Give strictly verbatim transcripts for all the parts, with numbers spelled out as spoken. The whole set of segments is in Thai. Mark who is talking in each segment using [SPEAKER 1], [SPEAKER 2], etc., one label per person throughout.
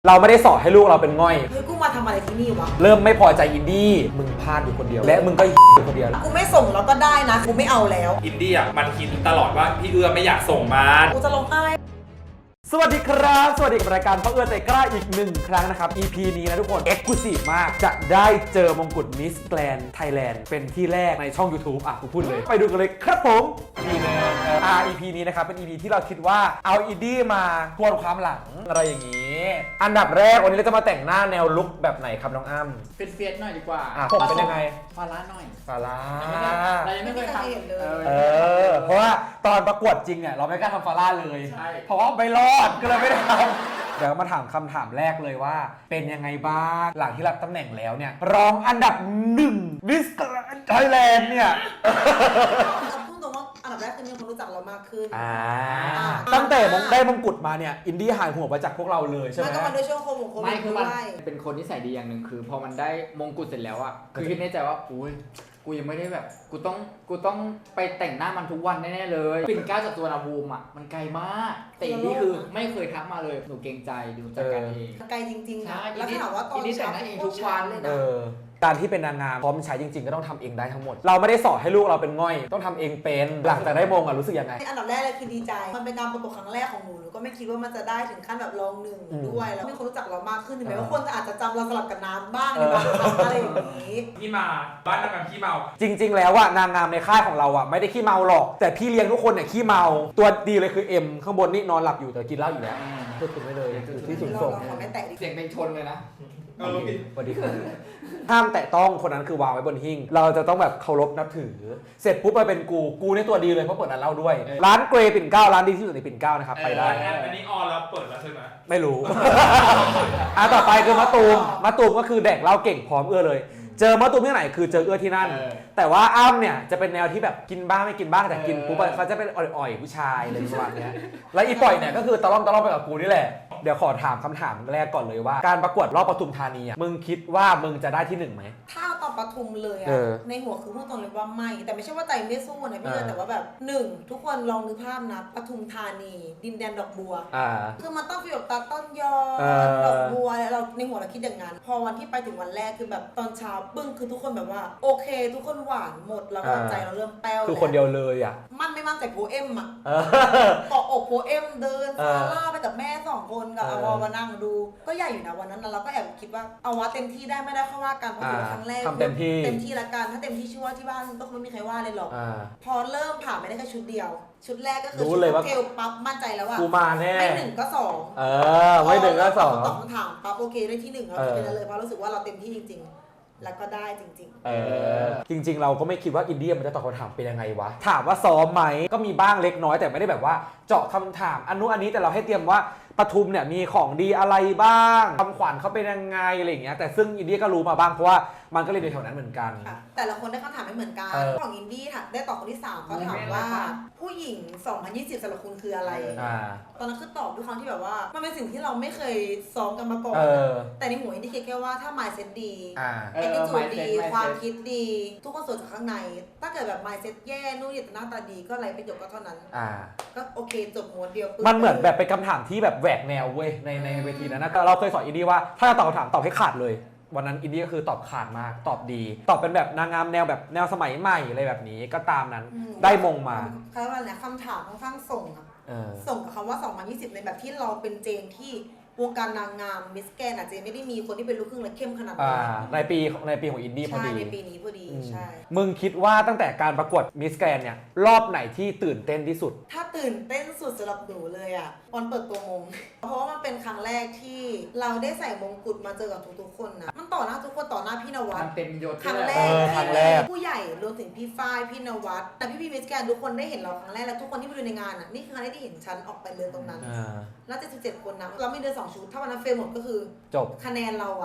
[SPEAKER 1] เราไม่ได้สอนให้ลูกเราเป็นง่อย
[SPEAKER 2] เฮ้ยกูมาทำอะไรที่นี่วะ
[SPEAKER 1] เริ่มไม่พอใจอินดี้มึงพลาดอยู่คนเดียวและมึงก็อยู่คนเดียว
[SPEAKER 2] กูไม่ส่งแล้วก็ได้นะกูไม่เอาแล้ว
[SPEAKER 3] อินดี้อ่ะมันคิดตลอดว่าพี่เอื้อไม่อยากส่งมา
[SPEAKER 2] กูจะลงไห้
[SPEAKER 1] สวัสดีครับสวัสดีกับรายการพ่อเอื้อใจกล้าอีกหนึ่งครั้งนะครับ อี พี นี้นะทุกคน Exclusive มากจะได้เจอมงกุฎ Miss Grand Thailand เป็นที่แรกในช่อง YouTube อ่ะกูพูดเลยไปดูกันเลยครับผมอีพีนึงอ่า อี พี นี้นะครับเป็น อี พี ที่เราคิดว่าเอาอินดี้มาทวนความหลังอะไรอย่างนี้อันดับแรกวันนี้เราจะมาแต่งหน้าแนวลุคแบบไหนครับน้องอ้ำ
[SPEAKER 4] เป็นเฟียสหน่อยดีกว่า
[SPEAKER 1] อ่ะผมเป็นยังไง
[SPEAKER 4] ฟาร่าหน่อย
[SPEAKER 1] ฟาร่า
[SPEAKER 4] เรายังไม่เคยทำ
[SPEAKER 2] เลย
[SPEAKER 1] เออเพราะว่าตอนประกวดจริงเนี่ยเราไม่กล้าทำฟาร่าเลยเพราะว่าไม่รอดก็เลยไม่ได้ทำเดี๋ยวมาถามคำถามแรกเลยว่าเป็นยังไงบ้างหลังที่รับตำแหน่งแล้วเนี่ยรองอันดับหนึ่งมิสแกรนด์ไทยแลนด์เนี่ย
[SPEAKER 2] พูดตรงว่าอันดับแรกคือมีคนรู้จักเรามากขึ้น
[SPEAKER 1] อ่าตั้งแต่มงได้มงกุฎมาเนี่ยอินดี้หายหัวไปจากพวกเราเลยใช่ไหม
[SPEAKER 2] ไม่ก็มาด้วยช่วงโควิดโควิด
[SPEAKER 4] ไม่คือมันเป็นคนที่ใส่ดีอย่างหนึ่งคือพอมันได้มงกุฎเสร็จแล้วอ่ะคือคิดในใจว่าอุ้ยกูยังไม่ได้แบบกูต้องกูต้องไปแต่งหน้ามันทุกวันแน่ๆเลยปิ่นเกล้าจากตัวนาบูมอ่ะมันไกลมากแต่อินดี้คือไม่เคยทักมาเลยหนูเกรงใจดูจัดการเอง
[SPEAKER 2] ไกลจริงๆนะแล้วถามว่าตอน
[SPEAKER 4] แต่งหน้าเองทุกวันเลยนะ
[SPEAKER 1] การที่เป็นนางงามพร้อมใช้จริงๆก็ต้องทำเองได้ทั้งหมดเราไม่ได้สอนให้ลูกเราเป็นง่อยต้องทำเองเป็นหลังจากได้มงอ่ะรู้สึกยังไง
[SPEAKER 2] อันดับแรกเลยคือดีใจมันเป็นการประกวดครั้งแรกของหนูหนูก็ไม่คิดว่ามันจะได้ถึงขั้นแบบรองหนึ่งด้วยแล้วมีคนรู้จักเรามากขึ้นถึงแม้ว่าคนอาจจะจำเราสลับกับน้ำบ้างในบางครั้งอะไรอย่างนี้
[SPEAKER 3] พี่มาบ้านนางงามขี้เมา
[SPEAKER 1] จริงๆแล้วอ่ะนางงามในค่ายของเราอ่ะไม่ได้ขี้เมาหรอกแต่พี่เลี้ยงทุกคนเนี่ยขี้เมาตัวดีเลยคือเอ็มข้างบนนี่นอนหลับอยู่แต่กินเหล้าอยู่แล้วพูดถึงไม่เลยที่สุดส่ง
[SPEAKER 4] เสียงเป็นชนเลยนะ
[SPEAKER 1] สวัสดีครับห้ามแตะต้องคนนั้นคือวางไว้บนหิ้งเราจะต้องแบบเคารพนับถือเสร็จปุ๊บมาเป็นกูกูในตัวดีเลยเพราะเปิดร้านเหล้าด้วยร้านเกรย์ปิ่นเกล้าร้านดีที่สุดในปิ่นเกล้านะครับไปได้
[SPEAKER 3] อันนี้ออนแล้วเปิดแล้วใช่ไหม
[SPEAKER 1] ไม่รู้อ่ะต่อไปคือมะตูมมะตูมก็คือแดกเหล้าเก่งพร้อมเอื้อเลยเจอมะตูมที่ไหนคือเจอเอื้อที่นั่นแต่ว่าอ้ำเนี่ยจะเป็นแนวที่แบบกินบ้างไม่กินบ้างแต่กินปุ๊บเขาจะเป็นอ่อยๆผู้ชายอะไรประมาณนี้แล้วอีปล่อยเนี่ยก็คือตะล่อมตะล่อมไปกับกูนี่แหละเดี๋ยวขอถามคำถามแรกก่อนเลยว่าการประกวดรอบปทุมธานีอ่ะมึงคิดว่ามึงจะได้ที่หนึ่งไหม
[SPEAKER 2] ถ้าตอนปทุมเลยอ่ะในหัวคือพูดตรงเลยว่าไม่แต่ไม่ใช่ว่าใจไม่สู้นะพี่เอ๋แต่ว่าแบบหนึ่งทุกคนลองนึกภาพนะปทุมธานีดินแดนดอกบัวคือมันต้องฟีลแบบตาต้นยอดอกบัวเราในหัวเราคิดอย่างนั้นพอวันที่ไปถึงวันแรกคือแบบตอนเช้าปึ้งคือทุกคนแบบว่าโอเคทุกคนหวานหมดแล้วก็ใจเราเริ่มแป้ว
[SPEAKER 1] คือคนเดียวเลยอ่ะ
[SPEAKER 2] มันไม่มั่นใจโพเอ็มอ่ะเกาะอกโพเอ็มเดินซาร่าไปกับแม่สองคนกับอวอมานั่งดูก็ใหญ่อยู่นะวันนั้นเราก็แอบคิดว่าเอาว่าเต็มที่ได้ไม่ได้เข้าว่ากันเพราะถือครั้งแรก
[SPEAKER 1] เต็มที่
[SPEAKER 2] เต็มที่ละกันถ้าเต็มที่ชื่อว่าที่บ้านก็ไม่มีใครว่าเลยหรอกพอเริ่มผ่านไปได้แค่ชุดเดียวชุดแรกก็คือชุดเทลปั๊บมั่นใจแล้วว่า
[SPEAKER 1] กูมาแน่
[SPEAKER 2] ไม่หนึ่งก็สอง
[SPEAKER 1] เออไม่หนึ่งก็สอง
[SPEAKER 2] ตอบคำถามปั๊บโอเคได้ที่หนึ่งเราคิดไปเลยเพราะรู้สึกว่าเราเต็มที่จริงๆแล้วก็ได้จริงๆ
[SPEAKER 1] เออจริงๆเราก็ไม่คิดว่าอินเดียมันจะตอบคำถามเป็นยังไงวะถามว่าซ้อมไหมก็มีบ้างเล็กน้อยแต่ไม่ได้แบบว่าเจาะคำถามอันนู้นอันนี้แต่เราให้เตรียมว่าปทุมเนี่ยมีของดีอะไรบ้างคำขวัญเขาเป็นยังไงอะไรอย่างเงี้ยแต่ซึ่งอินเดียก็รู้มาบ้างเพราะว่ามันก็เรียนในแถวนั้นเหมือนกัน
[SPEAKER 2] แต่ละคนได้คำถามไม่เหมือนกันของอินดี้ค่ะได้ตอบคนที่สามเขาถามว่าผู้หญิงสองพันยี่สิบสำหรับคุณคืออะไรตอนนั้นคือตอบด้วยคำที่แบบว่ามันเป็นสิ่งที่เราไม่เคยซ้อมกันมาก่อนแต่ในหัวอินดี้คิดแค่ว่าถ้า mindset ดีเอติจูดดีความคิดดีทุกคนสวยจากข้างในถ้าเกิดแบบ mindset แย่นู่นนี่แต่หน้าตาดีก็ไรประโยชน์ก็เท่านั้นก็โอเคจบม้วนเดียว
[SPEAKER 1] มันเหมือนแบบเป็นคำถามที่แบบแหวกแนวเว้ยในในเวทีนั้นนะเราเคยสอนอินดี้ว่าถ้าจะตอบคำถามตอบให้ขาดเลยวันนั้นอินดี้ก็คือตอบขาดมากตอบดีตอบเป็นแบบนางงามแนวแบบแนวสมัยใหม่อะไรแบบนี้ก็ตามนั้นได้มงมา
[SPEAKER 2] คือว่าเนี่ยคำถามค่อนข้างส่งอะส่งกับคำว่าสองพันยี่สิบในแบบที่เราเป็นเจนที่วงการนางงามมิสแกรนด์อาจจะไม่ได้มีคนที่เป็นลูกครึ่งและเข้มขนาดนี้
[SPEAKER 1] ในปีในปีของอินดี้พอดี
[SPEAKER 2] ในปีนี้พอดีใช่
[SPEAKER 1] มึงคิดว่าตั้งแต่การประกวดมิสแกรนด์เนี่ยรอบไหนที่ตื่นเต้นที่สุด
[SPEAKER 2] ถ้าตื่นเต้นสุดสำหรับหนูเลยอ่ะวันเปิดตัวมงเพราะว่ามันเป็นครั้งแรกที่เราได้ใส่มงกุฎมาเจอกับทุกๆคนนะมันต่อหน้าทุกคนต่อหน้าพี่นวัด
[SPEAKER 4] มันเต็มยศ
[SPEAKER 2] ครั้งแรกที่ผู้ใหญ่รวมถึงพี่ฝ้ายพี่นวัดแต่พี่พี่มิสแกรนด์ทุกคนได้เห็นเราครั้งแรกและทุกคนที่ไปดูในงานอ่ะนี่คือครั้งแรกที่เห็นฉันออกไปเดินตรงนั้นแล้วเจ็ดสิบเจ็ดคนนะเราไม่เดินสองชุดถ้าวันนั้นเฟรมหมดก็คือ
[SPEAKER 1] จบ
[SPEAKER 2] คะแนนเราอ่ะ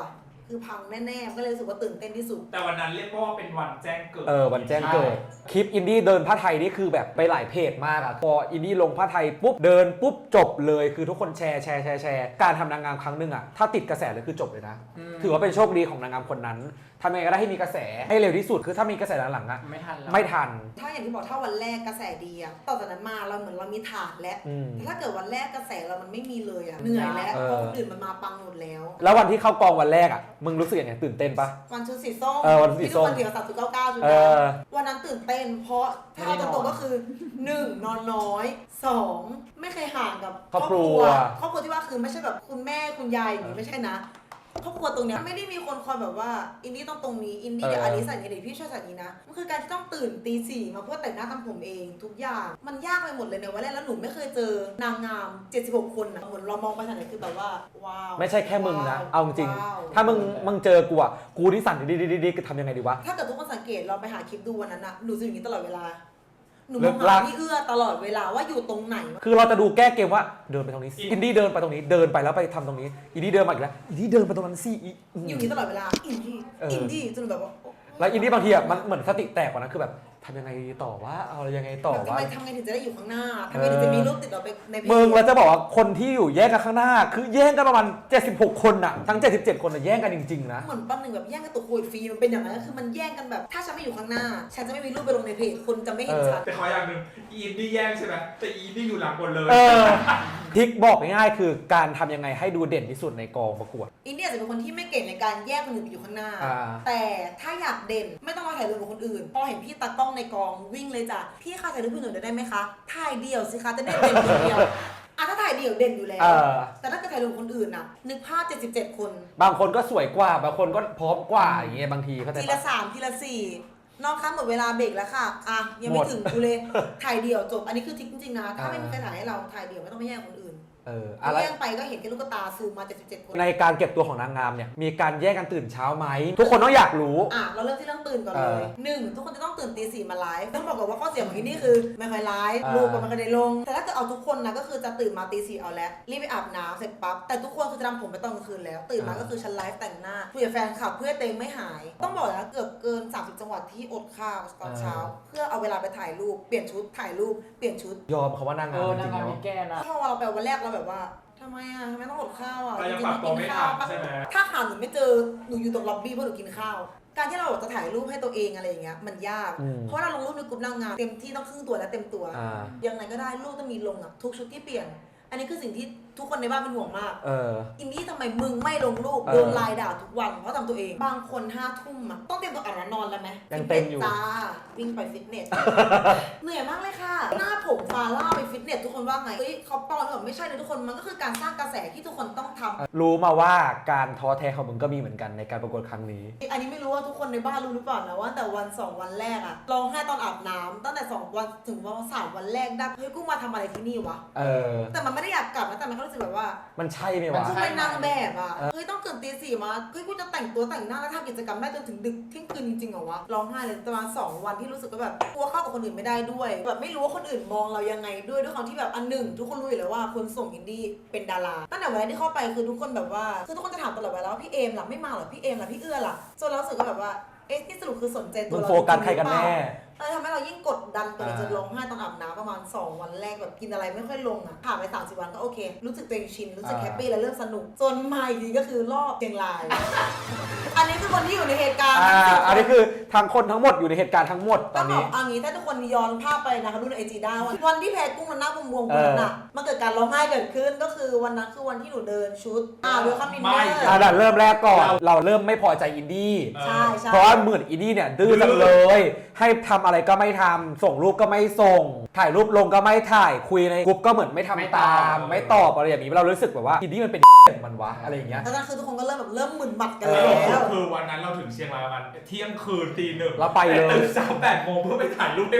[SPEAKER 2] คือพังแน่ๆก็เลยรู้สึกว่าตื่นเต้นที่สุด
[SPEAKER 3] แต่วันนั้นเรียกว่าเป็นวันแจ้งเกิด
[SPEAKER 1] เออวันแจ้งเกิดคลิปอินดี้เดินผ้าไทยนี่คือแบบไปหลายเพจมากอะพออินดี้ลงผ้าไทยปุ๊บเดินปุ๊บจบเลยคือทุกคนแชร์แชร์แชร์แชร์การทำนางงามครั้งหนึ่งอะถ้าติดกระแสเลยคือจบเลยนะ ถือว่าเป็นโชคดีของนางงามคนนั้นทำยังไงก็ได้ให้มีกระแสให้เร็วที่สุดคือถ้ามีกระแสหลังๆอะ
[SPEAKER 4] ไม่ทันแล้ว
[SPEAKER 1] ไม่ทัน
[SPEAKER 2] ถ้าอย่างที่บอกถ้าวันแรกกระแสดีอะต่อจากนั้นมาเราเหมือนเรามีฐานแล้ว
[SPEAKER 1] อืม
[SPEAKER 2] แต่ถ้าเกิดวันแรกกระแสเรามันไม่มีเลยอะเหนื่อยแล้ว
[SPEAKER 1] เออ
[SPEAKER 2] เพราะคนอื่นมันมาปังหมดแล้ว
[SPEAKER 1] แล้ววันที่เข้ากองวันแรกอะมึงรู้สึกยังไงตื่นเต้นปะ
[SPEAKER 2] วันชุดสีส้ม
[SPEAKER 1] เออวันสีส้ม
[SPEAKER 2] ที่ทุกคนเดียวสามจุดเก้าเก้าจุด
[SPEAKER 1] เออ
[SPEAKER 2] วันนั้นตื่นเต้น เพราะถ้าเอาตรงๆก็คือหนึ่งนอนน้อยสองไม่เคยห่างกับ
[SPEAKER 1] ครอบครัว
[SPEAKER 2] ครอบครัวที่ว่าคือไม่ใช่แบบคุณแม่คุณยายอย่างนี้ไม่ใช่นะครอบครัวตรงเนี้ยไม่ได้มีคนคอยแบบว่าอินดี้ต้องตรงนี้อินดี้เดี๋ยวอันนี้ใส่นี้เดี๋ยวพี่ช่วยใส่นี้นะมันคือการที่ต้องตื่นตีสี่มาเพื่อแต่งหน้าทำผมเองทุกอย่างมันยากไปหมดเลยในวันแรกแล้วหนูไม่เคยเจอนางงามเจ็ดสิบหกคนอะเหมือนเรามองไปทางไหนคือแบบว่าว้าว
[SPEAKER 1] ไม่ใช่แค่มึงนะ
[SPEAKER 2] ว้ว
[SPEAKER 1] เอาจริง
[SPEAKER 2] ว้ว
[SPEAKER 1] ถ้ามึงมึงเจอกูอะกูที่สั่นดิดิดิดิทำยังไงดีวะ
[SPEAKER 2] ถ้าเกิดทุกคนสังเกตเราไปหาคลิปดูวันนั้นอะหนูจะอยู่อย่างนี้ตลอดเวลาหนูม
[SPEAKER 1] เลิ
[SPEAKER 2] อง
[SPEAKER 1] กลั
[SPEAKER 2] หาก พี่เอื้อตลอดเวลาว่าอยู่ตรงไหน
[SPEAKER 1] คือเราจะดูแก้เกมว่าเดินไปตรงนี้สิอินดี้เดินไปตรงนี้เดินไปแล้วไปทำตรงนี้อินดี้เดินมาอีกแล้วอินดี้เดินไปตรงนั้นสิอีอืม
[SPEAKER 2] อยู่อย่างนี้ตลอดเวลาอินดี้
[SPEAKER 1] เอออิ
[SPEAKER 2] อินดี้จนแบบว่า
[SPEAKER 1] แล้วอินดี้บางทีอะมันเหมือนสติแตกกว่านั้นคือแบบทำยังไงดีต่อว่าเอายังไงต่อ
[SPEAKER 2] แบบทำ
[SPEAKER 1] ว่า
[SPEAKER 2] ไมทำไงถึงจะได้อยู่ข้างหน้าทำไงถึงจะมีรูปติดเราไปในเพจ
[SPEAKER 1] มึงเราจะบอกว่าคนที่อยู่แย่งกันข้างหน้า คือแย่งกันประมาณเจ็ดสิบหกคนอะทั้งเจ็ดสิบเจ็ดคนอะแย่งกันจริงๆนะ
[SPEAKER 2] เหมือนปั้นหนึ่งแบบแย่งกันตัวโควิดฟรีมันเป็นอย่างนั้นคือมันแย่งกันแบบถ้าฉันไม่อยู่ข้างหน้า ฉันจะไม่มีรูปไปลงในเพจคนจะไม่เห็น
[SPEAKER 1] เออ
[SPEAKER 2] ฉัน
[SPEAKER 3] แต่ขออย่างหนึ่งอีนนี่แย่งใช่ไหมแต่อีนี่อยู่หลังบนเลย
[SPEAKER 1] เออทริกบอกง่ายๆคือการทำยังไงให้ดูเด่นที่สุดในกองประกวด
[SPEAKER 2] อินเดียจะเป็นคนที่ไม่เก่งในการแยกคนอื่นไปอยู่ข้างหน้า
[SPEAKER 1] อ่า
[SPEAKER 2] แต่ถ้าอยากเด่นไม่ต้องมาถ่ายรูปกับคนอื่น พอเห็นพี่ตากล้องในกองวิ่งเลยจ้ะพี่คะถ่ายรูปพี่หนูได้ไหมคะถ่ายเดี่ยวสิคะจะได้เด่นคนเดียวอ่ะถ้าถ่ายเดี่ยวเด่นอยู่แล้ว
[SPEAKER 1] เออ
[SPEAKER 2] แต่ถ้าเกิดถ่ายรูปกับคนอื่นน่ะนึกภาพเจ็ดสิบเจ็ดคน
[SPEAKER 1] บางคนก็สวยกว่า บางคนก็พร้อมกว่าอย่างเงี้ยบางทีเข้าใจ
[SPEAKER 2] ที
[SPEAKER 1] ปะ
[SPEAKER 2] ละสามทีละสี่น้องคะหมดเวลาเบรกแล้วค่ะอ่ะยัง
[SPEAKER 1] ห
[SPEAKER 2] ไม่
[SPEAKER 1] มด
[SPEAKER 2] ถึงกูเลยถ่ายเดี่ยวจบอันนี้คือทริคจริงๆนะถ้า
[SPEAKER 1] อ่า
[SPEAKER 2] ไม่มีใครถ่ายให้เราถ่ายเดี่ยวไม่ต้องไปแย่งคนอื่น
[SPEAKER 1] เอออะไร
[SPEAKER 2] แย่งไปก็เห็นแค่ลูกตาซูมมาเจ็ดสิบเจ็ดคน
[SPEAKER 1] ในการเก็บตัวของนางงามเนี่ยมีการแยกกันตื่นเช้าไหมทุกคนต้องอยากรู้
[SPEAKER 2] อ่ะเราเริ่มที่เรื่องตื่นก่อนเล
[SPEAKER 1] เอย อ
[SPEAKER 2] หนึ่งทุกคนจะต้องตื่นตีสี่มาไลฟ์ต้องบอกก่อนว่าข้อเสียของที่นี่คือไม่ค่อยไลฟ์
[SPEAKER 1] อ่า
[SPEAKER 2] รูปก็ไม่ค่อยได้ลง แต่ถ้าเกิดเอาทุกคนนะก็คือจะตื่นมาตีสี่เอาแล้วรีบไปอาบน้ำเสร็จปั๊บแต่ทุกคนคือจะทำผมไปตอนกลางคืนแล้ว ตื่นมาก็คือฉันไลฟ์แต่งหน้าคุยกับแฟนคลับเพื่อเต็งไม่หาย ต้องบอกนะเกือบเกินสามสิบจังหวัดที่อดข้าวตอนเช้า เพื่อเอาเวลาไปถ่ายรูปเปลี่ยนชุดถ่ายรูปเปลี่ยนชุด
[SPEAKER 1] ยอมเขาว่านาง
[SPEAKER 4] เอง
[SPEAKER 1] าม
[SPEAKER 4] อ
[SPEAKER 1] จ
[SPEAKER 4] นาง
[SPEAKER 1] ริงๆ
[SPEAKER 4] งาม
[SPEAKER 1] แล้ว
[SPEAKER 4] มีแก้นะ
[SPEAKER 2] พอเราไปวันแรกเราแบบว่าทำไมอ่ะทำไมต้องอดข้าวอ่ะ
[SPEAKER 3] เรายัง
[SPEAKER 2] จริ
[SPEAKER 3] ปรับ
[SPEAKER 2] ๆ
[SPEAKER 3] ตัวไม่
[SPEAKER 2] กินข้าว
[SPEAKER 3] ทันใช่ไหม
[SPEAKER 2] ถ้าหาหนูไม่เจอหนูอยู่ตรงล็อบบี้เพราะหนูกินข้าว การที่เราจะถ่ายรูปให้ตัวเองอะไรอย่างเงี้ยมันยาก
[SPEAKER 1] อืม
[SPEAKER 2] เพราะเราลงรูปในกลุ่มนางงามเต็มที่ต้องครึ่งตัวและเต็มตัว
[SPEAKER 1] อ่า
[SPEAKER 2] ยังไงก็ได้รูปต้องมีลงอ่ะทุกชุดที่เปลี่ยน อันนี้คือสิ่งที่ทุกคนในบ้านเป็นห่วงมาก
[SPEAKER 1] เออ
[SPEAKER 2] อินดี้ทำไมมึงไม่ลงรูป
[SPEAKER 1] เออ
[SPEAKER 2] โดนไลน์ด่าทุกวันเพราะทำตัวเอง บางคนห้าทุ่มอ่ะต้องเตรียมตัวอาบน้ำนอนแล้วไหม
[SPEAKER 1] ยังเต็มอยู่
[SPEAKER 2] ฟิตนสจ้าวิ่งไปฟิตเนส เหนื่อยมากเลยค่ะ หน้าผมฟาล่าไปฟิตเนสทุกคนว่าไงเฮ้ยเขาปอนหรือเปล่าไม่ใช่เลยทุกคนมันก็คือการสร้างกระแสที่ทุกคนต้องทำ
[SPEAKER 1] รู้มาว่าการท้อแท้ของมึงก็มีเหมือนกันในการประกวดครั้งนี้
[SPEAKER 2] อันนี้ไม่รู้ว่าทุกคนในบ้านรู้หรือเปล่านะว่าแต่วันสองวันแรกอะร้องไห้ตอนอาบน้ำตั้งแต่สองวันถึงวันสามวันแรกได้เฮ้ยกูมาทำอะไรที่นี่วะ
[SPEAKER 1] เออ
[SPEAKER 2] แต่มันไม่ได้อยากกลับนะแต่มันก็รู้สึกแบบว่า
[SPEAKER 1] มันใช่ไหม
[SPEAKER 4] มั
[SPEAKER 1] วะ
[SPEAKER 4] น
[SPEAKER 2] กู
[SPEAKER 4] ใช่
[SPEAKER 2] เป็นนางแบบอะเฮ้ยต้องตื่นตีสี่มาเฮ้ยกูจะแต่งตัวแต่งหน้าแล้วทำกิจกรรมได้จนถึงดึกเที่ยงคืนจริงๆเหรอวะร้องไห้เลยประมาณสองวันที่รู้สึกว่าแบบกลัวเข้ากับคนอื่นไม่ได้ด้วยแบบไม่รู้ว่าคนอื่นมองเรายังไงด้วยด้วยความที่แบบอันหนึ่งทุกคนรู้อยู่แล้วว่าคนส่งอินดี้เป็นดาราตั้งแต่วันแรกที่เข้าไปคือทุกคนแบบว่าคือทุกคนจะถามตลอดเวลาว่าพี่เอมล่ะไม่มาเหรอพี่เอมล่ะพี่เอื้อล่ะจนเรารู้สึกว่าแบบว่าเอ๊ะที่สรุปคือสนใจตั
[SPEAKER 1] มึ
[SPEAKER 2] ว
[SPEAKER 1] ง
[SPEAKER 2] เรา
[SPEAKER 1] โฟกัสใครกันแน่
[SPEAKER 2] เออทำให้เรายิ่งกดดันตัวเอง
[SPEAKER 1] อ่า
[SPEAKER 2] จนร้องไห้ตอนอาบน้ำประมาณสองวันแรกแบบกินอะไรไม่ค่อยลงอ่ะผ่านไปสามสิบวันก็โอเค รู้สึกตัวเองชินรู้สึกแฮปปี้และเริ่มสนุกจนมาอีกทีก็คือรอบเชียงราย อันนี้คือคนที่อยู่ในเหตุการณ์
[SPEAKER 1] อ่า
[SPEAKER 2] ทั้งสิบ
[SPEAKER 1] อันนี้คือทั้งคนทั้งหมดอยู่ในเหตุการณ์ทั้งหมดต
[SPEAKER 2] ต้
[SPEAKER 1] อ
[SPEAKER 2] อน งบ
[SPEAKER 1] นี้
[SPEAKER 2] อกเอางี้ถ้าทุกคนย้อนภาพไปนะคะดูในไอจีได้วันวันที่แพ้กุ้งมันหน้าบวมๆ
[SPEAKER 1] เอ
[SPEAKER 2] วัน
[SPEAKER 1] อ
[SPEAKER 2] นั้นอ่ะมันเกิดการร้องไห้เกิดขึ้นก็คือวันนั้นคือวันที่หนูเดินชุดอ่าเวลคัมดินเนอ
[SPEAKER 3] ไม่
[SPEAKER 2] ร์
[SPEAKER 1] อ่ะเดี๋ยวเริ่มแรกก่อน เราเริ่มไม่พอใจอินดี้
[SPEAKER 2] ใช่ใช่
[SPEAKER 1] เพราะว่าเหมือนอินดี้เนี่ยดื้อจังเลย ให้ทำอะไรก็ไม่ทำส่งรูปก็ไม่ส่ง ถ่ายรูปลงก็ไม่ถ่ายคุยในกลุ่มก็เหมือนไม่ทำ
[SPEAKER 4] ไม่ต
[SPEAKER 1] ตา
[SPEAKER 4] อบ
[SPEAKER 1] ม ไม่ตอบอะไรอย่างนี้เรารู้สึกแบบว่าอินดี้มันเป็น อย่างมันวะอะไรอย่างเงี้ย
[SPEAKER 2] ตอนนั้นคือทุกคนก็เริ่มแบบเริ่มหมึนหมัดกัน
[SPEAKER 1] เอ
[SPEAKER 2] แล้
[SPEAKER 1] อ
[SPEAKER 2] ว
[SPEAKER 3] คือวันนั้นเราถึงเชียงรายประมาณเที่ยงคืนตีหนึ่ง
[SPEAKER 1] เราไปเลย
[SPEAKER 3] ตื่นสามแปดโมงเพื่อไปถ่ายรูปให้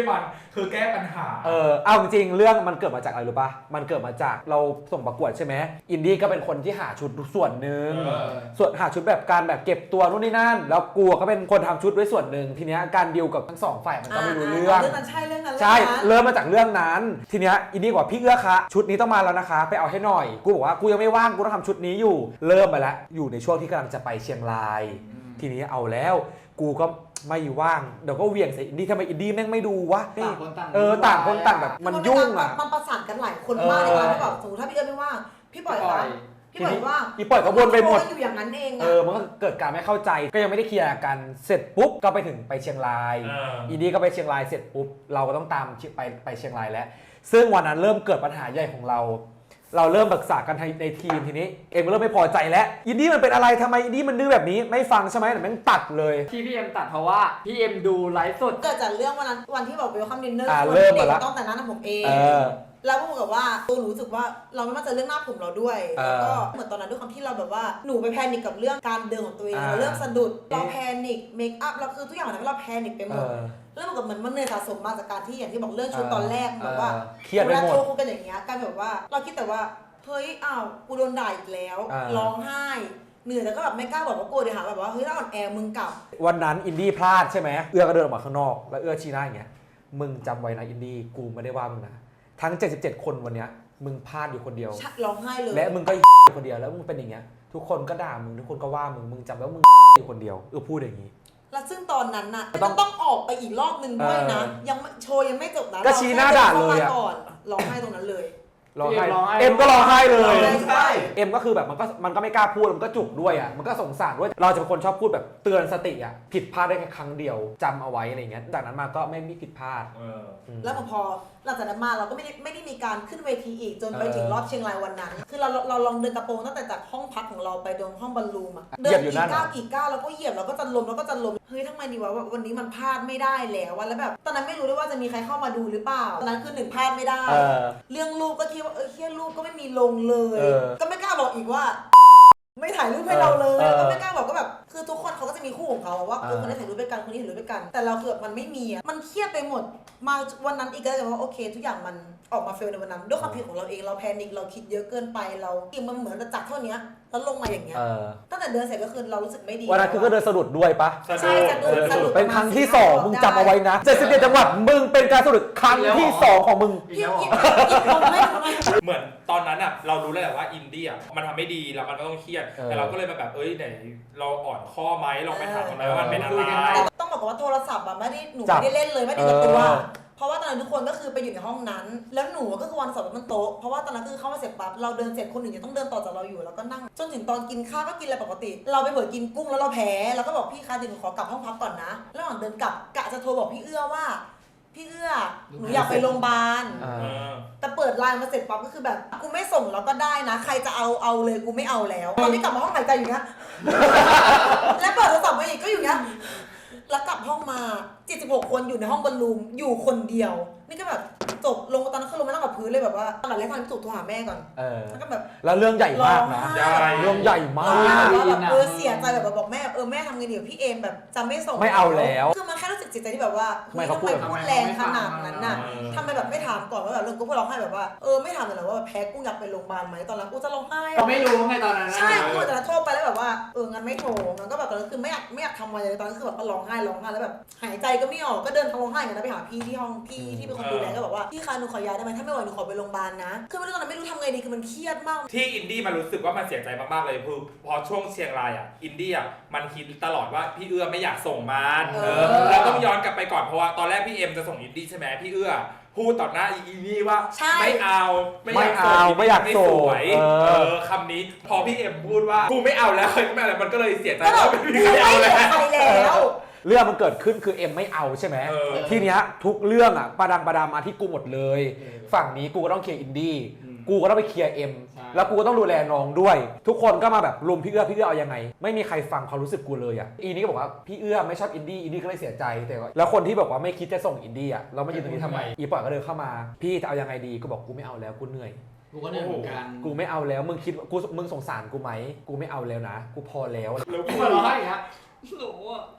[SPEAKER 3] มันคือแก้ปัญหา
[SPEAKER 1] เออเอาจริงๆเรื่องมันเกิดมาจากอะไรรู้ป่ะมันเกิดมาจากเราส่งประกวดใช่ไหมอินดี้ก็เป็นคนที่หาชุดส่วนหนึ่ง
[SPEAKER 3] เออ
[SPEAKER 1] ส่วนหาชุดแบบการแบบเก็บตัวนู่นนี่นั่นแล้วกูก็เป็นคนทำชุดด้วยส่วนหนึ่งทีเนี้ยการดีลกับทั้งสองฝ่ายมันก็ไม่รู้เรื่อง
[SPEAKER 2] เรื่องนั้นใช่เรื่องนั้น
[SPEAKER 1] ใช่
[SPEAKER 2] เรื่องนั้น
[SPEAKER 1] เริ่มมาจากเรื่องนั้น ทีเนี้ยอินดี้บอกว่าพี่เอื้อคะชุดนี้ต้องมาแล้วนะคะ ไปเอาให้หน่อย กูบอกว่ากูยังไม่ว่างกูต้องทำชุดนี้อยู่ เริ่มไปแล้วอยู่ในช่วงที่กำลังจะไปเชียงราย ทีนี้เอาแล้ว กูก็ไม่ว่างเดี๋ยวก็เหวี่ยงใส่อินดี้ทำไมอินดี้แม่งไม่ดูวะ
[SPEAKER 4] ต่างคนต่าง
[SPEAKER 1] เออต่างคนต่างแบบมันยุ่งอ่ะ
[SPEAKER 2] มันประสานกันหลายคนมากเลยนะที่แบบสมมติถ้าพี่เอิญไม่ว่างพี่ปล่อยครับพี่ปล่อยว่าง
[SPEAKER 1] อีปล่อยก็วนไปหมด
[SPEAKER 2] อยู่อย่างนั้นเอง
[SPEAKER 1] เออมันก็เกิดการไม่เข้าใจก็ยังไม่ได้เคลียร์กันเสร็จปุ๊บก็ไปถึงไปเชียงราย
[SPEAKER 3] เอออิ
[SPEAKER 1] อินดี้ก็ไปเชียงรายเสร็จปุ๊บเราก็ต้องตามไปไปเชียงรายแล้วซึ่งวันนั้นเริ่มเกิดปัญหาใหญ่ของเรา เราเริ่มปรึกษากันในทีมทีนี้เอ็มก็เริ่มไม่พอใจแล้วอินดี้มันเป็นอะไรทำไมอินดี้มันดื้อแบบนี้ไม่ฟังใช่ไหมแต่แม่งตัดเลย
[SPEAKER 4] ที่พี่เอ็มตัดเพราะว่าพี่เอ็มดูไลฟ์สด
[SPEAKER 2] เกิดจากเรื่องวันนั้นวันที่บอกเวลคัมดินเนอร์
[SPEAKER 1] อ่า
[SPEAKER 2] คน
[SPEAKER 1] เริ่ม
[SPEAKER 2] เด็
[SPEAKER 1] มาละ
[SPEAKER 2] กต้องแต่งหน้าผมเอง
[SPEAKER 1] เออ
[SPEAKER 2] แล้วพูดกับว่าตัวหนูรู้สึกว่าเราไม่มั่นใจเรื่องหน้าผมเราด้วย
[SPEAKER 1] เออ
[SPEAKER 2] แล้วก็เหมือนตอนนั้นด้วยความที่เราแบบว่าหนูไปแพนิคกับเรื่องการเดินของตัวเอง
[SPEAKER 1] อ่า
[SPEAKER 2] เราเริ่มสะดุดเรา
[SPEAKER 1] เอ๊ะ
[SPEAKER 2] แพนิคเมคอัพเราคือทุกอย่างมันทำให้เราแพนิคไปหม
[SPEAKER 1] เอ
[SPEAKER 2] ด
[SPEAKER 1] อ
[SPEAKER 2] เรื่องแบบเหมือนมันเหนื่อยสะสมมาจากการที่อย่างที่บอกเรื่องชุด
[SPEAKER 1] เออ
[SPEAKER 2] ตอนแรกแบบว่า
[SPEAKER 1] เออเครียดไปหมด
[SPEAKER 2] เวลาโทรคุยกันอย่างเงี้ยกลายแบบว่าเราคิดแต่ว่าเฮ้ยอ้าวกูโดนด่าอีกแล้ว
[SPEAKER 1] เออ
[SPEAKER 2] ร้องไห้เหนื่อยแต่ก็แบบไม่กล้าบอกว่าโกรธเดี๋ยวหาแบบว่าเฮ้ยเราอ่อนแอมึงกลับ
[SPEAKER 1] วันนั้นอินดี้พลาดใช่ไหมเอื้อก็เดินออกมาข้างนอกแล้วเอื้อชี้หน้าอย่างเงี้ยมึงจำไว้นะอินดี้กูไม่ได้ว่ามึงนะทั้งเจ็ดสิบเจ็ดคนวันเนี้ยมึงพลาดอยู่คนเดียว
[SPEAKER 2] ชัดร้องไห้เลย
[SPEAKER 1] และมึงก็ อยู่คนเดียวแล้วมึงเป็นอย่างเงี้ยทุกคนก็ด่ามึงทุกคนก็ว่ามึงมึงจำไว้ว่ามึงอยู่คนเดียวเออพูดอย่างงี้
[SPEAKER 2] แล้วซึ่งตอนนั้นน่ะ
[SPEAKER 1] ต้
[SPEAKER 2] ต้
[SPEAKER 1] อ
[SPEAKER 2] อง งต้องออกไปอีกรอบนึงด้วยนะ
[SPEAKER 1] เออ
[SPEAKER 2] ยังไม่โชว์ยังไม่จบนะ
[SPEAKER 1] ก็ชี้หน้าด่าเลยอะ
[SPEAKER 2] รแค่ดินข้มก่อนร้องไห้ตรงนั้นเลย
[SPEAKER 1] ร้องไห้
[SPEAKER 4] ร้องไห้
[SPEAKER 1] เอ็มก็ร้องไห้เลย
[SPEAKER 2] ใช่
[SPEAKER 1] เอ็มก็คือแบบมันก็มันก็ไม่กล้าพูดมันก็จุกด้วยอ่ะมันก็สงสารด้วยเราจะเป็นคนชอบพูดแบบเตือนสติอ่ะผิดพลาดได้แค่ครั้งเดียวจำเอาไว้อะไรเงี้ยจากนั้นมาก็ไม่มีผิดพลาด
[SPEAKER 3] เออ
[SPEAKER 1] อืม
[SPEAKER 2] แล้วพอหลังจากนั้นมาเราก็ไม่ได้ไม่ได้มีการขึ้นเวทีอีกจนไป
[SPEAKER 1] เออ
[SPEAKER 2] ถึงรอบเชียงรายวันนั้น คือเราเราลองเดินกระโปรงตั้งแต่จากห้องพักของเราไปตรงห้องบอลลูมอะ
[SPEAKER 1] เห
[SPEAKER 2] เดิ
[SPEAKER 1] ยียบ
[SPEAKER 2] น
[SPEAKER 1] อยู่
[SPEAKER 2] กี่
[SPEAKER 1] นั่น
[SPEAKER 2] ก้าว
[SPEAKER 1] อะ
[SPEAKER 2] กี่ก้าวแล้วก็เหยียบแล้วก็จะล้มแล้วก็จะล้มเฮ้ยทำไมดีวะวันนี้มันพลาดไม่ได้แล้วอะแล้วแบบตอนนั้นไม่รู้ด้วยว่าจะมีใครเข้ามาดูหรือเปล่าตอนนั้นคือหนึ่งพลาดไม่ได้
[SPEAKER 1] เออ
[SPEAKER 2] เรื่องรูปก็คิดว่าเออเฮียรูปก็ไม่มีลงเลย
[SPEAKER 1] เออ
[SPEAKER 2] ก็ไม่กล้าบอกอีกว่า ไม่ถ่ายรูปให้เราเลย
[SPEAKER 1] เออ
[SPEAKER 2] ก็ไม่กล้าบอกก็แบบคือทุกคนเขาก็จะมีคู่ของเขาว่า
[SPEAKER 1] เออ
[SPEAKER 2] เออคนนี้ถ่ายรูปด้วยกันคนนี้ถ่ายรูปด้วยกัน แต่เราคือแบบมันไม่มีอะมันเครียดไปหมดมาวันนั้นอีกก็เลยว่าโอเค ทุกอย่างมันออกมาเฟลในวันนั้นด้วยความผิดของเราเองเราแพนิคเราคิดเยอะเกินไปเราอีกมันเหมือนจะจักเท่านี้แล้วลงมาอย่างเงี้ย
[SPEAKER 1] เออ
[SPEAKER 2] ตั้งแต่เดินเสร็จก็คือเรารู้สึกไม่ดี
[SPEAKER 1] วันนั้นคือก็เดินสะดุดด้วยปะ
[SPEAKER 2] ใช่จะ
[SPEAKER 1] เอ
[SPEAKER 2] เดิน
[SPEAKER 1] อ
[SPEAKER 2] สะดุด
[SPEAKER 1] เป็นครั้งที่
[SPEAKER 2] ประมาณ
[SPEAKER 1] สอง
[SPEAKER 2] สี่
[SPEAKER 1] มึง
[SPEAKER 2] รบ
[SPEAKER 1] จำเอาไว้นะเจ็ดสิบเจ็ดจังหวัดมึงเป็นการสะดุดครั้งที่สองของมึง
[SPEAKER 2] พี่อีกอีกลงไม่ลงไม่
[SPEAKER 3] เหมือนตอนนั้นอ่ะเรารู้แล้วแหละว่าอินดี้อ่ะมันทำไม่ดีแล้วมันก็ต้องเครียด
[SPEAKER 1] เออ
[SPEAKER 3] แต่เราก็เลยมาแบบเอ้ยไหนเราอ่อนข้อไหมลองไปถามกันไหมว่ามันเป็นอะไร
[SPEAKER 2] แต่ต้องบอกก่อนว่าโทรศัพท์อะไม่ได้หนู
[SPEAKER 1] จับ
[SPEAKER 2] ไม่ได้เล่นเลยไม่ได้กับตัว
[SPEAKER 1] เออ
[SPEAKER 2] เพราะว่าตอนนั้นทุกคนก็คือไปอยู่ในห้องนั้น แล้วหนูก็คือวันสอบมันโต๊ะเพราะว่าตอนนั้นคือเข้ามาเสร็จปั๊บเราเดินเสร็จคนอื่นยังต้องเดินต่อจากเราอยู่แล้วก็นั่งจนถึงตอนกินข้าวก็กินอะไรปกติ เราไปเปิดกินกุ้งแล้วเราแพ้แล้วก็บอกพี่คะเดี๋ยวหนูขอกลับห้องพักก่อนนะระหว่างเดินกลับกะจะโทรบอกพี่เอื้อว่า พี่เอื้อหนูอยากไปโรงพยาบาล
[SPEAKER 1] อ่า
[SPEAKER 3] เออ
[SPEAKER 2] แต่เปิดไลน์มาเสร็จปั๊บก็คือแบบกูไม่ส่งแล้วก็ได้นะ ใครจะเอาเอาเลยกูไม่เอาแล้วตอนนี้กลับมาห้องหายใจอยู่เนี้ย แล้วเปิดโทรศัพท์มาอีกก็อยู่เนี้ยแล้วกลับห้องมาเจ็ดสิบหกคนอยู่ในห้องบอลลูมอยู่คนเดียว นี่ก็แบบจบลงตอนนั้นคือลงมานั่งกับพื้นเลยแบบว่าตอนแรกทางที่สุดโทรหาแม่ก่อน
[SPEAKER 1] เออ
[SPEAKER 2] แล้วก็แบบ
[SPEAKER 1] แล้วเรื่องใหญ่มากนะ
[SPEAKER 3] ใหญ่
[SPEAKER 1] เรื่องใหญ่มา
[SPEAKER 2] ร้องไห้
[SPEAKER 1] ก
[SPEAKER 2] ว่าแบบเออเสียใจแบบบอกแม่เออแม่ทำไงดีกับพี่เอมแบบจะไม่ส่ง
[SPEAKER 1] ไม่เอาแล้ว
[SPEAKER 2] คือมันแค่รู้สึกเสียใจที่แบบว่า
[SPEAKER 1] ไม่
[SPEAKER 2] เฮ้ย
[SPEAKER 1] เขา
[SPEAKER 2] ทำ
[SPEAKER 1] พู
[SPEAKER 2] ไม
[SPEAKER 1] ด
[SPEAKER 2] พูดแรงขนาดนั้นน่ะ
[SPEAKER 3] เออ
[SPEAKER 2] ทำไมแบบไม่ถามก่อนว่าแบบเรื่องกูพูดร้องไห้แบบว่าเออไม่ถามเลยเหรอว่าแบบแพ้กูอยากไปโรงพยาบาลไหมตอนนั้นกูจะร้องไห้
[SPEAKER 4] เราไม่รู้ไงตอนนั้นนะ
[SPEAKER 2] ใช่กูแต่ละโทรไปแล้วแบบว่าเอองั้นไม่โทรงั้นก็แบบตอนนั้นคือไม่อยากไม่อยากทำอะไรเลยตอนนั้นคือแบบก็ร้องไห้ร้องไห้แล้วแบบหายใจก็ไม่ออกก็เดินทางร้องไห้กันนะไปหาพี่ที่ห้องพี่ที่เป็นคนดูแลก็บอกว่าพี่คะหนูขอย้ายได้ไหมถ้าไม่ไหวหนูขอไปโรงพยาบาลนะคือไม่รู้ตอนนั้นไม่รู้ทำไงดีคือมันเครียดมาก
[SPEAKER 3] ที่อินดี้มันรู้สึกว่ามันเสียใจมากๆเลยคือพอช่วงเชียงรายอ่ะอินดี้อ่ะมันคิดตลอดว่าพี่เอื้อไม่อยากส่งมัน
[SPEAKER 2] เอ
[SPEAKER 3] เอ
[SPEAKER 2] อ
[SPEAKER 3] อเราต้องย้อนกลับไปก่อนเพราะว่าตอนแรกพี่เอ็มจะส่งอินดี้ใช่ไหมพี่เอื้อพูดต่อหน้าอีนี่ว่า
[SPEAKER 2] ใช่
[SPEAKER 3] ไม่เอา
[SPEAKER 1] ไม่เอาไม่อยาก
[SPEAKER 3] ไม่
[SPEAKER 1] ส่
[SPEAKER 3] ส
[SPEAKER 1] ง
[SPEAKER 3] วย
[SPEAKER 1] เออ
[SPEAKER 3] เออคำนี้พอพี่เอ็มพูดว่ากูไม่เอาแล้วก็ไม่อะไรมันก็เลยเสียใจ
[SPEAKER 2] ก็แบบ
[SPEAKER 3] ว่าไม่มีใครเอา
[SPEAKER 2] ไม่เหลื
[SPEAKER 3] แล้
[SPEAKER 2] อ
[SPEAKER 3] ว
[SPEAKER 2] ใครแล้ว
[SPEAKER 1] เรื่องมันเกิดขึ้นคือเอ็มไม่เอาใช่ไหม
[SPEAKER 3] เออ
[SPEAKER 1] ทีเนี้ยทุกเรื่องอ่ะประดังประดามาที่กูหมดเลย ฝั่งนี้กูก็ต้องเคลียร์อินดี้
[SPEAKER 4] อืม
[SPEAKER 1] กูก็ต้องไปเคลียร์เอ็ม
[SPEAKER 4] ใช่
[SPEAKER 1] แล้วกูก็ต้องดูแลน้องด้วย ทุกคนก็มาแบบรุมพี่เอื้อพี่เอื้อเอายังไง ไม่มีใครฟังความรู้สึกกูเลยอ่ะอีนี่ก็บอกว่าพี่เอื้อไม่ชอบอินดี้อินดี้ก็เลยเสียใจแต่ว่าแล้วคนที่บอกว่าไม่คิดจะส่งอินดี้อ่ะเราไม่ยืนตรงนี้ทำไมอีปล่อยก็เดินเข้ามาพี่จะเอายังไงดีกูบอกกูไม่เอาแล้วกูเหนื่อย
[SPEAKER 4] กูก็เหนื่อยเหมือนกัน
[SPEAKER 1] กูไม่เอาแล้วมึงคิดกูมึงสงสารกูไหมกูไม่เอาแล้วนะ กูพอแล้ว
[SPEAKER 3] แล้ว
[SPEAKER 4] กูมาร้องไห้อีกฮะหนูอ่ะห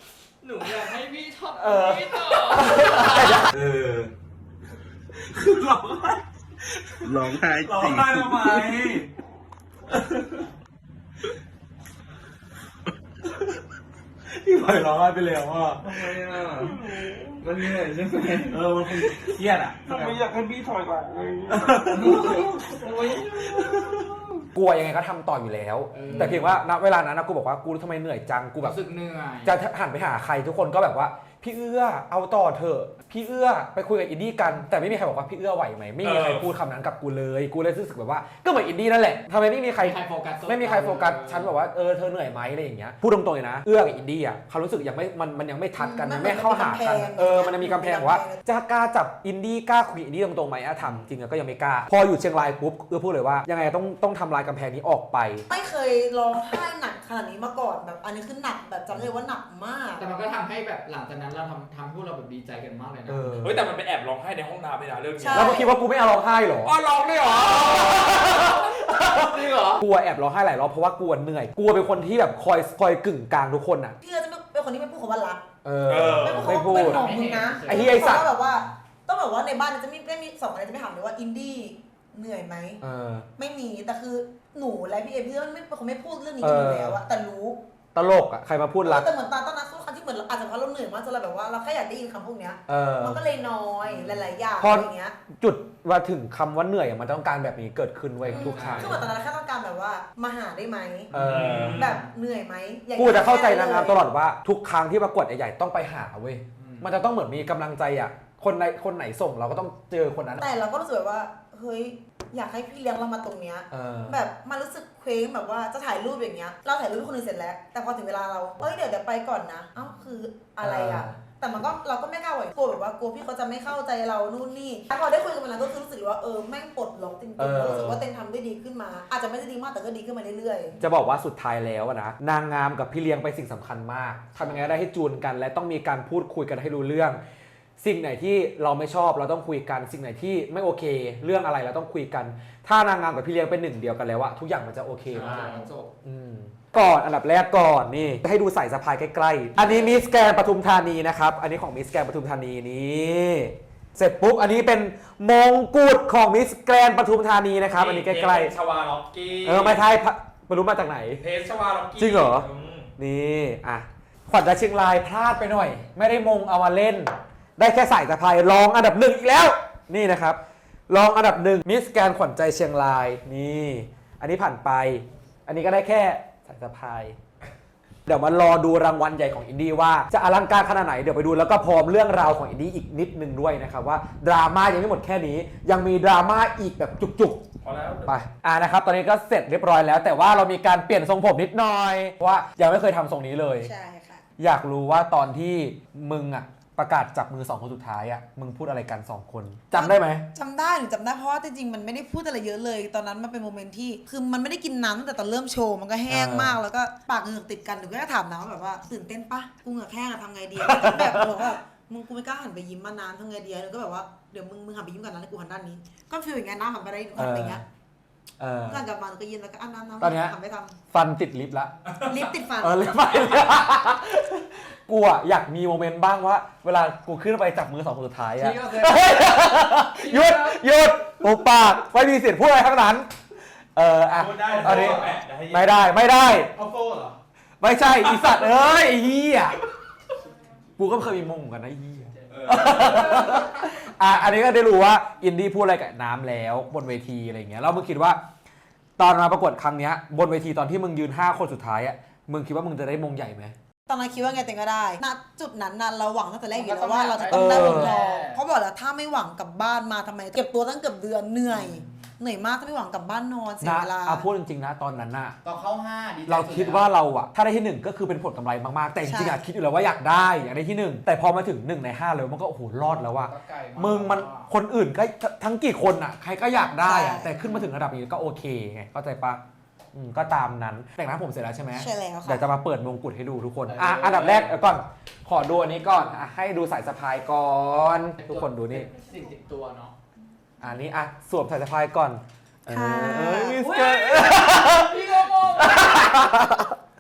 [SPEAKER 4] หนูอยากให้พี่ทำ
[SPEAKER 1] เออ
[SPEAKER 4] พี่ต่อ
[SPEAKER 5] เออคือร้องไห้ร้องไห้ร้องไห้ทำไมพี่พลอยร้องไห้ไปแล้วอ่ะทำไมอ่ะมันเหนื่อยใช่ไหมเออมันคงเครียดอ่ะทำไมอยากให้พี่ถอยก่อนเลย
[SPEAKER 1] กลัวยังไงก็ทำต่ออยู่แล้ว แต่เพียงว่าณเวลานั้นนะกูบอกว่ากูทำไมเหนื่อยจังกูแบบ
[SPEAKER 4] รู้สึกเหนื่อย
[SPEAKER 1] จะหันไปหาใครทุกคนก็แบบว่าพี่เอื้อเอาต่อเถอะพี่เอื้อไปคุยกับอินดี้กันแต่ไม่มีใครบอกว่าพี่เอื้อไหวไหมไม่มีใครพูดคำนั้นกับกูเลยกูเลยรู้สึกแบบว่าก็เหมือนอินดี้นั่นแหละทำไมไม่มีใคร
[SPEAKER 4] ใครโฟกัส
[SPEAKER 1] ไม่มีใครโฟกัสฉันบอกว่าเออเธอเหนื่อยไหมอะไรอย่างเงี้ยพูดตรงๆเลยนะเอื้อกับอินดี้อ่ะเขารู้สึกยังไม่มันมันยังไม่ทัดกันยังไม่เข้าหากันเออมันมีกำแพงว่าจะกล้าจับอินดี้กล้าคุยอินดี้ตรงๆไหมอะทำจริงๆก็ยังไม่กล้าพออยู่เชียงรายปุ๊บเอื้อพูดเลยว่ายังไงต้องต้องทำลายกำแพงนี้ออกไป
[SPEAKER 2] ไม่เคยร้องไห้หนักขนาดนี้มาก่อนแบบอันนี้คือหนักแบบจำเลยว่าหนักมาก
[SPEAKER 4] แต่มันก็ทำให้แบบหลังจากนั้นเราทำทำให้พวกเราแบบดีใจกันมากเลยนะ
[SPEAKER 1] เออ
[SPEAKER 3] เฮ้ยแต่มันไปแอบร้องไห้ในห้องน้ำเลยนะเรื่องนี้
[SPEAKER 2] ใช่
[SPEAKER 1] แล้วมึงคิดว่ากูไม่เอาร้องไห้เหรอ
[SPEAKER 3] อ๋อร้องด้วยเหรอ
[SPEAKER 4] จริงเหรอ
[SPEAKER 1] กลัวแอบร้องไห้หลายรอบเพราะว่ากลัวเหนื่อยกลัวเป็นคนที่แบบคอยคอยกึ่งกลางทุกคนอ่ะ
[SPEAKER 2] พี่ก็จะไม่เป็นคนที่ไม่พูดคำว่ารัก
[SPEAKER 1] เออ
[SPEAKER 3] เออ
[SPEAKER 1] ไม่พูด
[SPEAKER 2] เป็นของมึงนะ
[SPEAKER 1] ไอ้เหี้ยไอ้สัตว์
[SPEAKER 2] ต้องแบบว่าต้องแบบว่าในบ้านจะไม่ไม่มีสองคนจะไม่ถามเลยว่าอินดี้เหนื่อยไหม
[SPEAKER 1] เออ
[SPEAKER 2] ไม่มีแต่คือหนูและพี่เอพี่ไม่เป็นคนไม่พูดเรื่องนี้กันอยู่แล้วอะแต่รู้
[SPEAKER 1] ตลกอ่ะใครมาพูดรัก
[SPEAKER 2] แต่เหมือนตอนตอนนั้นทุกครั้งที่เหมือนอาจจะเพราะเราเหนื่อยมากจนเราแบบว่าเราแค่อยากได้ยินคำพวกเนี้ย
[SPEAKER 1] เออ
[SPEAKER 2] มันก็เลยน้อยหลายๆอย่าง
[SPEAKER 1] พออ
[SPEAKER 2] อะไรเงี้ย
[SPEAKER 1] จุดว่าถึงคำว่าเหนื่อยอะมันต้องการแบบนี้เกิดขึ้นไว้ยทุกครั้ง
[SPEAKER 2] คือเหมือนตอนนั้นแค่ต้องการแบบว่ามาหาได้ไหม
[SPEAKER 1] เออ
[SPEAKER 2] แบบเหนื่อยไหมอย่าง
[SPEAKER 1] กู
[SPEAKER 2] เงี้ย
[SPEAKER 1] จะเข้าใจนางงามตลอดว่าทุกครั้งที่ประกวดใหญ่ๆต้องไปหาเว้ย
[SPEAKER 4] อืม
[SPEAKER 1] มันจะต้องเหมือนมีกำลังใจอ่ะคนใดคนไหนส่งเราก็ต้องเจอคนนั้น
[SPEAKER 2] แต่เราก็รู้สึกแบบว่าเฮ้ยอยากให้พี่เลี้ยงเรามาตรงเนี้ย
[SPEAKER 1] เออ
[SPEAKER 2] แบบมันรู้สึกเคว้งแบบว่าจะถ่ายรูปอย่างเงี้ยเราถ่ายรูปให้คนอื่นเสร็จแล้ว แต่พอถึงเวลาเราเอ้ยเดี๋ยวเดี๋ยวไปก่อนนะเอ้าคืออะไรอ่ะ
[SPEAKER 1] เออ
[SPEAKER 2] แต่มันก็เราก็ไม่กล้าไหวกลัวแบบว่ากลัวพี่เขาจะไม่เข้าใจเรานู่นนี่แต่พอได้คุยกันมาแล้วก็คือรู้สึกว่าเออแม่งปลดล็อกจริงๆแล้วรู้สึกว่าเต็งทำได้ดีขึ้นมา อาจจะไม่ได้ดีมากแต่ก็ดีขึ้นมาเรื่อยๆ
[SPEAKER 1] จะบอกว่าสุดท้ายแล้วอะนะนางงามกับพี่เลี้ยงไปนสิ่งสำคัญมากทำยังไงได้ให้จูนกัน และต้องมีการพูดคุยกันให้รู้เรื่อง สิ่งไหนที่เราไม่ชอบเราต้องคุยกันสิ่งไหนที่ไม่โอเค เรื่องอะไรเราต้องคุยกัน ถ้านางงามกับพี่เลี้ยงเป็นหนึ่งเดียวกันแล้วอะทุกอย่างมันจะโอเคมาก
[SPEAKER 4] จบ
[SPEAKER 1] อืมก่อนอันดับแรกก่อนนี่จะให้ดูสายสะพายใกล้ๆอันนี้มิสแกรนด์ปทุมธานีนะครับอันนี้ของมิสแกรนด์ปทุมธานีนี่เสร็จปุ๊บอันนี้เป็นมงกุฎของมิสแกรนด์ปทุมธานีนะครับอันนี้ใกล้
[SPEAKER 3] เพชรชวาล็อกกี้
[SPEAKER 1] ๆเออไม่ใช่พะไม่รู้มาจากไหน
[SPEAKER 3] เพชรชวาล็อกกี้
[SPEAKER 1] จริงเหรอ
[SPEAKER 3] ม
[SPEAKER 1] นี่อ่ะขวัญใจเชียงรายพลาดไปหน่อย ไม่ได้มงเอามาเล่น ได้แค่สายสะพายรองอันดับหนึ่งอีกแล้วนี่นะครับรองอันดับหนึ่งมิสแกรนด์ขวัญใจเชียงรายนี่อันนี้ผ่านไป อันนี้ก็ได้แค่สายสะพายเดี๋ยวมารอดูรางวัลใหญ่ของอินดี้ว่าจะอลังการขนาดไหนเดี๋ยวไปดูแล้วก็พร้อมเรื่องราวของอินดี้อีกนิดนึงด้วยนะครับว่าดราม่ายังไม่หมดแค่นี้ยังมีดราม่าอีกแบบจุกๆ
[SPEAKER 3] พอแล้ว
[SPEAKER 1] ไปอ่านะครับตอนนี้ก็เสร็จเรียบร้อยแล้ว แต่ว่าเรามีการเปลี่ยนทรงผมนิดหน่อยเพราะว่ายังไม่เคยทำทรงนี้เลย
[SPEAKER 2] ใช่ค่ะ
[SPEAKER 1] อยากรู้ว่าตอนที่มึงอ่ะประกาศจับมือสองคนสุดท้ายอ่ะมึงพูดอะไรกันสองคนจำได้ไหม
[SPEAKER 2] จำได้หนูจำได้เพราะว่าจริงๆมันไม่ได้พูดอะไรเยอะเลย ตอนนั้นมันเป็นโมเมนต์ที่คือมันไม่ได้กินน้ำตั้งแต่ตอนเริ่มโชว์มันก็แห้งมากแล้วก็ปากเหงือกติดกันหนูก็ถามน้ำว่าแบบว่าตื่นเต้นปะกูเหงือกแห้งอะทำไงดีแบบบอกว่ามึงกูไม่กล้าหันไปยิ้มมานานทำไงดีหนูก็แบบว่าเดี๋ยวมึงมึงหันไปยิ้มกันนะแล้วกูหันด้านนี้ก็ฟีลอย่างเงี้ยน้ำหันไปได้หนูหันไปอย่างเงี้ย
[SPEAKER 1] เออ
[SPEAKER 2] ก่อนกลับมาหนูก็ยืนแล้วก็อันน้ำน้ำ
[SPEAKER 1] ตอนเนี้ย
[SPEAKER 2] หันไปท
[SPEAKER 1] ฟันติดลิฟต์ละ
[SPEAKER 2] ำลิปติดฟัน
[SPEAKER 1] เออลิฟต์ไม่เลยกูอ่ะอยากมีโมเมนต์บ้างว่าเวลากูขึ้นไปจับมือสองคนสุดท้ายอ่ะ
[SPEAKER 4] พี่ก็เคย
[SPEAKER 1] หยุดหยุดปุบปากไม่มีเสียงพูดอะไรทั้งนั้นเอออ่ะ
[SPEAKER 3] พูดได้
[SPEAKER 1] ตอนนี้
[SPEAKER 3] แปะเยวให้
[SPEAKER 1] ไม่ได้ไม่ได้
[SPEAKER 3] เอาโซ่เหรอ
[SPEAKER 1] ไม่ใช่อีสัตว์เอ้ยไอ้เหี้ยกูก็เคยมีมงเหมือนกันนะไอ้เหี้ย
[SPEAKER 3] เออ
[SPEAKER 1] อ่ะอันนี้ก็ได้รู้ว่าอินดี้พูดอะไรกับน้ำแล้วบนเวทีอะไรอย่างเงี้ยแล้วมึงคิดว่า ตอนมาประกวดครั้งเนี้ยบนเวทีตอนที่มึงยืนห้าคนสุดท้ายอ่ะมึงคิดว่ามึงจะได้มงใหญ่ไหม
[SPEAKER 2] ตอนนั้นคิดว่าไงเต็งก็ได้ณจุดนั้นน่ะเราหวังตั้งแต่แรกอยู่แล้วว่าเราจะต้องได้วงทองเพราะบอกแล้วถ้าไม่หวังกลับบ้านมาทำไมเก็บตัวตั้งเกือบเดือนเหนื่อยเหนื่อยมากถ้าไม่หวังกลับบ้านนอนเสีย
[SPEAKER 1] นะ
[SPEAKER 2] เวลา
[SPEAKER 1] อ่ะพูดจริงๆนะตอนนั้นน่ะ
[SPEAKER 4] ตอนเข้าห้าดีใจ
[SPEAKER 1] เรา
[SPEAKER 4] สุ
[SPEAKER 1] คิด
[SPEAKER 4] แล้ว
[SPEAKER 1] ว่าเราอะถ้าได้ที่หนึ่งก็คือเป็นผลกำไรมากๆแต่จริงๆอะคิดอยู่แล้วว่าอยากได้อยากได้ที่หนึ่งแต่พอมาถึงหนึ่งในห้าเลยมันก็โอ้โหรอดแล้วว่า
[SPEAKER 4] ก็ไกลา
[SPEAKER 1] มึงมันคนอื่นก็ทั้งกี่คนอะใครก็อยากได้อะ
[SPEAKER 2] ใช่
[SPEAKER 1] แต่ขึ้นมาถึงระดับนี้ก็โอเคไงเข้าใจปะอืมก็ตามนั้นแต่งหน้าผมเสร็จแล้วใช่ไหม
[SPEAKER 2] ใช่แล้วค่ะ
[SPEAKER 1] เดี๋ยวจะมาเปิดมงกุฎให้ดูทุกคนอ่ะอันดับแรกเดี๋ยวก่อนขอดูอันนี้ก่อนอ่ะให้ดูสายสะพายก่อนทุกคนดูนี่
[SPEAKER 4] สิ่งติดตัวเนาะ
[SPEAKER 1] อันนี้อ่ะสวมสายสะพายก่อนเอ
[SPEAKER 2] ค่ะ
[SPEAKER 1] อมิสเตอร์
[SPEAKER 4] พี่ก็งง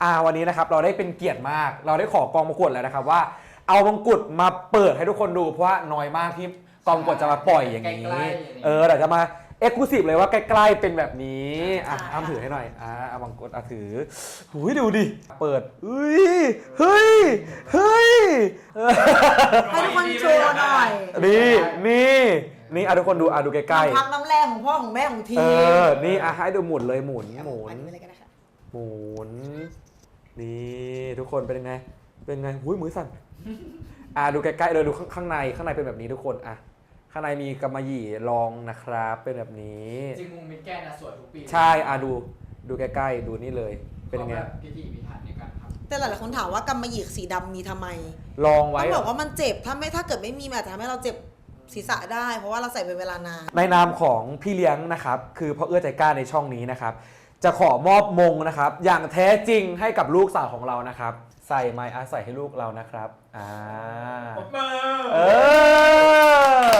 [SPEAKER 1] อ่าวันนี้นะครับเราได้เป็นเกียรติมาก เราได้ขอกองประกวดแล้วนะครับว่าเอามงกุฎมาเปิดให้ทุกคนดูเพราะว่าน้อยมากที่กองประกวดจะมาปล่อยอย่างนี้เออเดี๋ยวจะมาเอ็กซ์คลูซีฟเลยว่าใกล้ๆเป็นแบบนี้อ่ะอ้ำถือให้หน่อยอ่ะเอามงกุฎอ่ะถือหูยดูดิเปิดเฮ้ยเฮ้ยเฮ้ย
[SPEAKER 2] ให้ทุกคนโชว์หน่อย
[SPEAKER 1] นี่นี่นี่อ่ะทุกคนดูอ่ะดูใกล้
[SPEAKER 2] น้ำพักน้ำแรงของพ่อของแม่ของที
[SPEAKER 1] ๆเออนี่อ่ะให้ดูหมุนเลยหมุนหมุน
[SPEAKER 2] อันนี้เลยก็ได้ค่ะ
[SPEAKER 1] หมุนนี่ทุกคนเป็นยังไงเป็นไงหุ้ยมือสั่นอ่ะดูใกล้ๆเลยดูข้างข้างในข้างในเป็นแบบนี้ทุกคนอ่ะข้างในมีกำมะหยี่รองนะครับเป็นแบบนี้
[SPEAKER 4] จริงมุงมิดแกนนะสวยทุกปี
[SPEAKER 1] ใช่อ่ะดูดูใกล้ๆดูนี่เลยเป็นยังไง
[SPEAKER 4] ขาแบบพิธีพิถันในการทำ
[SPEAKER 2] แต่หลายๆคนถามว่ากำมะหยี่สีดำมีทำไม
[SPEAKER 1] ลองไว้
[SPEAKER 2] ต้องบอกว่ามันเจ็บถ้าไม่ถ้าเกิดไม่มีมันอาจจะทำให้เราเจ็บศีรษะได้ เพราะว่าเราใส่เป็นเวลานาน
[SPEAKER 1] ในนามของพี่เลี้ยงนะครับคือพ่อเอื้อใจกล้าในช่องนี้นะครับจะขอมอบมงนะครับอย่างแท้จริงให้กับลูกสาวของเรานะครับใส่ไม้อาใส่ให้ลูกเรานะครับอ่า
[SPEAKER 3] ปรบมือ
[SPEAKER 1] เออ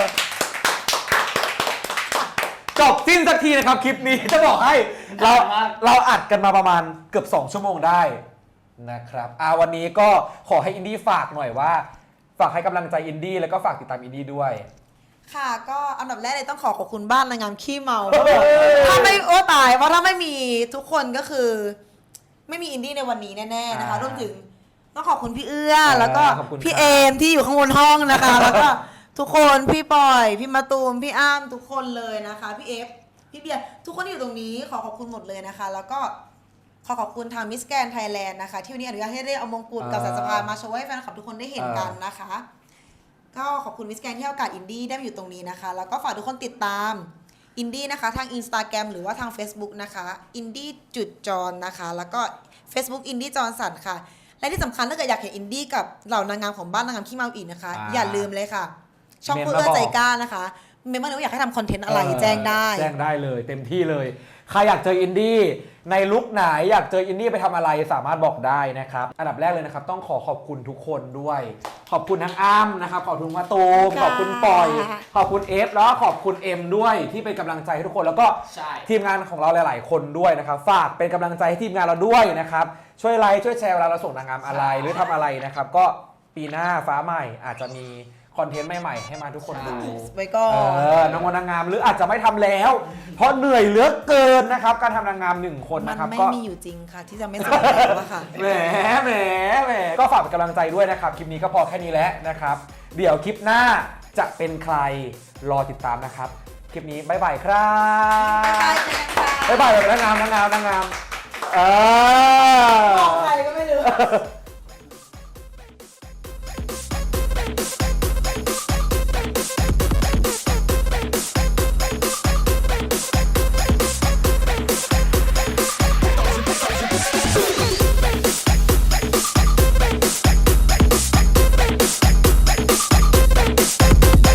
[SPEAKER 1] จบสิ้นสักทีนะครับคลิปนี้ จะบอกให้เราเราอัดกันมาประมาณเกือบสองชั่วโมงได้นะครับอ่าวันนี้ก็ขอให้อินดี้ฝากหน่อยว่าฝากให้กำลังใจอินดี้แล้วก็ฝากติดตามอินดี้ด้วย
[SPEAKER 2] ค่ะก็อันดับแรกเลยต้องขอขอบคุณบ้านนางงามขี้เมาเพราะว่าถ้าไม่โอ้ตายเพราะถ้าไม่มีทุกคนก็คือ ไม่มีอินดี้ในวันนี้แน่ๆนะคะ
[SPEAKER 1] อ่าร
[SPEAKER 2] วมถึงต้องขอบคุณพี่เอื้อ
[SPEAKER 1] อ่า
[SPEAKER 2] แล้วก็
[SPEAKER 1] ขอบคุณ
[SPEAKER 2] พี่
[SPEAKER 1] ครับ
[SPEAKER 2] เอมที่อยู่ข้างบนห้องนะคะ แล้วก็ทุกคนพี่ปอยพี่มาตูมพี่อ้ำทุกคนเลยนะคะพี่เอฟพี่เบียร์ทุกคนที่อยู่ตรงนี้ขอขอบคุณหมดเลยนะคะ แล้วก็ขอขอบคุณทางมิสแกรนไทยแลนด์นะคะที่วันนี้อนุญาตให้ได้เอามงกุฎกับสายสะพายมาโชว์ให้แฟนคลับทุกคนได้เห็นกันนะคะ ก็ขอบคุณมิสแกรนที่ให้โอกาสอินดี้ได้มาอยู่ตรงนี้นะคะ แล้วก็ฝากทุกคนติดตามอินดี้นะคะทาง Instagram หรือว่าทาง Facebook นะคะอินดี้จุดจรนะคะ แล้วก็ Facebook อินดี้จรสันค่ะ และที่สำคัญถ้าเกิดอยากเห็นอินดี้กับเหล่านางงามของบ้านนางงามขี้เมาอีกนะคะ
[SPEAKER 1] อ่า
[SPEAKER 2] อย่าลืมเลยค่ะ ช่อง
[SPEAKER 1] เมน
[SPEAKER 2] เพื่
[SPEAKER 1] มา
[SPEAKER 2] อ
[SPEAKER 1] บอก
[SPEAKER 2] ใจกล้านะคะเมมเบอร์ว่าอยากให้ทำคอนเทนต์อะไรแจ้งได้
[SPEAKER 1] แจ้งได้เลยเต็มที่เลยใครอยากเจออินดี้ในลุคไหนอยากเจออินดี้ไปทำอะไรสามารถบอกได้นะครับอันดับแรกเลยนะครับต้องขอขอบคุณทุกคนด้วย ขอบคุณทั้งอ้ำนะครับขอบคุณมาตูมขอบคุณปอยขอบคุณเอฟแล้วก็ขอบคุณเอ็มด้วยที่เป็นกำลังใจให้ทุกคนแล้วก็
[SPEAKER 4] ใช่
[SPEAKER 1] ทีมงานของเราหลาย ๆ คนด้วยนะครับฝากเป็นกำลังใจให้ทีมงานเราด้วยนะครับช่วยไลค์ช่วยแชร์เวลาเราส่งนางงามอะไรหรือทำอะไรนะครับก็ปีหน้าฟ้าใหม่อาจจะมีคอนเทนต์ใหม่ ๆ ให้มาทุกคนดู
[SPEAKER 2] ไว้ก่อ
[SPEAKER 1] เอน อนางงามนางงามหรืออาจจะไม่ทำแล้ว เพราะเหนื่อยเหลือเกินนะครับการทำนางงามหนึ่งคน
[SPEAKER 2] มัน
[SPEAKER 1] นะครับ
[SPEAKER 2] ไม่
[SPEAKER 1] ก็
[SPEAKER 2] มีอยู่จริงค่ะ ที่จะไม่สำเร็จแล้วอะค่ะ
[SPEAKER 1] แหมแหมแหมก็ฝากเป็นกำลังใจด้วยนะครับคลิปนี้ก็พอแค่นี้แล้วนะครับเดี๋ยวคลิปหน้าจะเป็นใครรอติดตามนะครับคลิปนี้บ๊ายบายครับ
[SPEAKER 2] บ๊ายบายเจอกันค่ะ
[SPEAKER 1] บ๊ายบายแบบนางงามนางงามนางงามเออ
[SPEAKER 2] มองใครก็ไม่รู้